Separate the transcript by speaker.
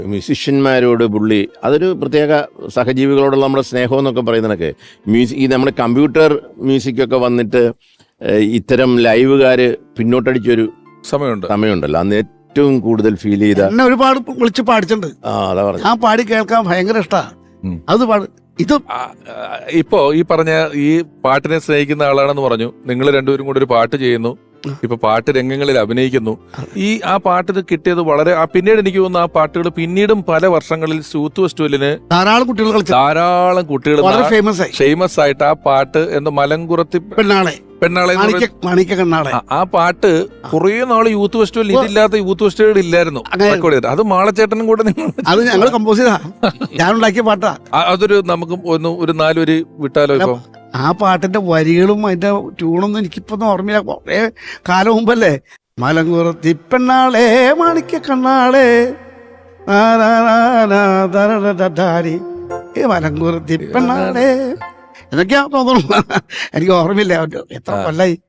Speaker 1: മ്യൂസിഷ്യന്മാരോട് പുള്ളി അതൊരു പ്രത്യേക സഹജീവികളോടുള്ള നമ്മുടെ സ്നേഹം എന്നൊക്കെ പറയുന്നതൊക്കെ ഈ നമ്മുടെ കമ്പ്യൂട്ടർ മ്യൂസിക്കൊക്കെ വന്നിട്ട് ഇത്തരം ലൈവുകാർ പിന്നോട്ടടിച്ചൊരു സമയമുണ്ടല്ലോ അന്ന് ഏറ്റവും കൂടുതൽ ഫീൽ ചെയ്ത
Speaker 2: എന്നെ ഒരുപാട് വിളിച്ച് പാടിച്ചിട്ടുണ്ട്.
Speaker 1: അതാ പറഞ്ഞു
Speaker 2: ഞാൻ പാടി കേൾക്കാൻ ഭയങ്കര ഇഷ്ടമാണ്. അത് പാട് ഇത്
Speaker 3: ഇപ്പോ ഈ പറഞ്ഞ ഈ പാട്ടിനെ സ്നേഹിക്കുന്ന ആളാണെന്ന് പറഞ്ഞു. നിങ്ങൾ രണ്ടുപേരും കൂടെ ഒരു പാട്ട് ചെയ്യുന്നു, ഇപ്പൊ പാട്ട് രംഗങ്ങളിൽ അഭിനയിക്കുന്നു. ആ പാട്ട് കിട്ടിയത് വളരെ പിന്നീട് എനിക്ക് തോന്നുന്നു ആ പാട്ടുകൾ പിന്നീടും പല വർഷങ്ങളിൽ യൂത്ത് ഫെസ്റ്റിവലിന് ധാരാളം കുട്ടികൾ ഫേമസ് ആയിട്ട് ആ പാട്ട് എന്താ മലങ്കുറത്തി പെണ്ണാളെ ആ പാട്ട് കുറെ നാള് യൂത്ത് ഫെസ്റ്റിവൽ ഇതില്ലാത്ത യൂത്ത് ഫെസ്റ്റിവൽ ഇല്ലായിരുന്നു. അത് മാളച്ചേട്ടനും കൂടെ
Speaker 2: അത് ഞങ്ങൾ കമ്പോസ് ചെയ്താ ഞാൻ ഉണ്ടാക്കിയ പാട്ടാ.
Speaker 3: അതൊരു നമുക്ക് ഒരു 4 വരി വിട്ടാലോ? ഇപ്പൊ
Speaker 2: ആ പാട്ടിന്റെ വരികളും അതിന്റെ ട്യൂണൊന്നും എനിക്കിപ്പൊന്നും ഓർമ്മയില്ല. കുറെ കാലം മുമ്പല്ലേ. മലങ്കുറത്തി പെണ്ണാളെ മാണിക്ക കണ്ണാളെ മലങ്കുറത്തി പെണ്ണാളെ എന്നൊക്കെയാ തോന്നുന്നു. എനിക്ക് ഓർമ്മയില്ല. എത്ര കൊല്ലായി.